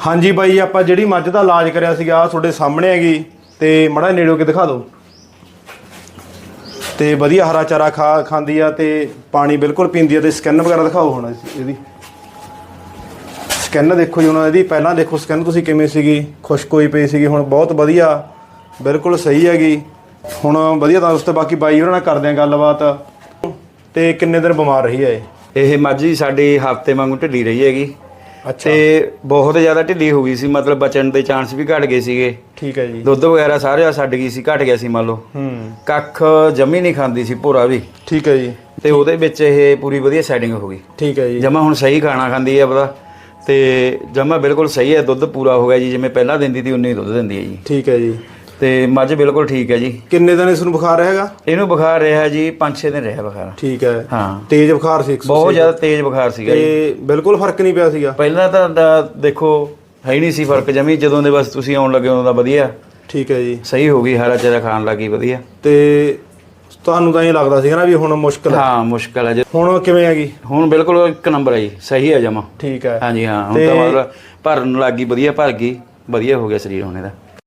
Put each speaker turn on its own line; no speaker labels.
हाँ जी बाई आप जी मझ का इलाज कराया थोड़े सामने हैगी तो मड़ा नेड़े के दिखा दो। तो वधिया हरा चारा खाती है तो पानी बिल्कुल पींदी है। तो स्किन वगैरह दिखाओ हुण इहदी स्किन देखो जी हुण इहदी पहलां देखो स्किन तुसीं किवें सीगी खुश्क होई पई सीगी हुण बहुत वधिया बिल्कुल सही हैगी हुण वधिया। दोस्तों बाकी बाई होरां नाल करदे आं गलबात। ते किन्ने दिन बीमार रही है
ये मੱਝ जी साडी हफ्ते वांगू ढिੱਲੀ रही हैगी।
अच्छा
ते बहुत ज़्यादा ढिੱਲੀ हो गई सी मतलब बचन के चांस भी घट गए सीगे।
ठीक है जी।
दुध वगैरह सारे छड्ड गई सी घट गया सी मान लो कख जमी नहीं खाती सी भोरा भी।
ठीक है जी।
ते ਉਹਦੇ ਵਿੱਚ ਇਹ पूरी ਵਧੀਆ सैटिंग हो गई।
ठीक है जी।
जमा हुण सही खाना खांदी है पता ते जमा बिल्कुल सही है दुध पूरा हो गया जी जिवें पहला दिंदी थी उन्नी ही दुध दिंदी है जी।
ठीक है जी।
ते मੱਝ बिल्कुल ठीक है जी।
किन्ने दिन इसनूं बुखार रहेगा?
इहनूं बुखार रहा जी 5-6 दिन रहा बुखार।
ठीक है
हाँ
तेज बुखार सी
बहुत ज़्यादा तेज बुखार सीगा जी।
बिल्कुल फर्क नहीं पिया सीगा
ਪਹਿਲਾਂ ਤਾਂ देखो है ही नहीं सी फर्क जमी ਜਦੋਂ ਦੇ ਬਸ ਤੁਸੀਂ ਆਉਣ ਲੱਗੇ ਉਦੋਂ ਦਾ ਵਧੀਆ।
ठीक है जी।
ਸਹੀ ਹੋ ਗਈ ਹਰਾ ਚਾਰਾ ਖਾਣ ਲੱਗੀ ਵਧੀਆ।
ਤੇ ਤੁਹਾਨੂੰ ਤਾਂ ਇਹ ਲੱਗਦਾ ਸੀਗਾ ਨਾ ਵੀ ਹੁਣ ਮੁਸ਼ਕਲ ਹੈ?
ਹਾਂ ਮੁਸ਼ਕਲ ਹੈ ਜੀ।
ਹੁਣ ਕਿਵੇਂ ਹੈਗੀ?
ਹੁਣ ਬਿਲਕੁਲ ਇੱਕ ਨੰਬਰ ਹੈ ਜੀ ਸਹੀ ਹੈ ਜਮਾ।
ਠੀਕ ਹੈ।
ਹਾਂਜੀ ਹਾਂ ਹੁਣ ਤਾਂ ਮਤਲਬ ਭਰਨ ਲੱਗੀ ਵਧੀਆ ਭਰ ਗਈ ਵਧੀਆ ਹੋ ਗਿਆ ਸਰੀਰ ਹੁਣ ਇਹਦਾ।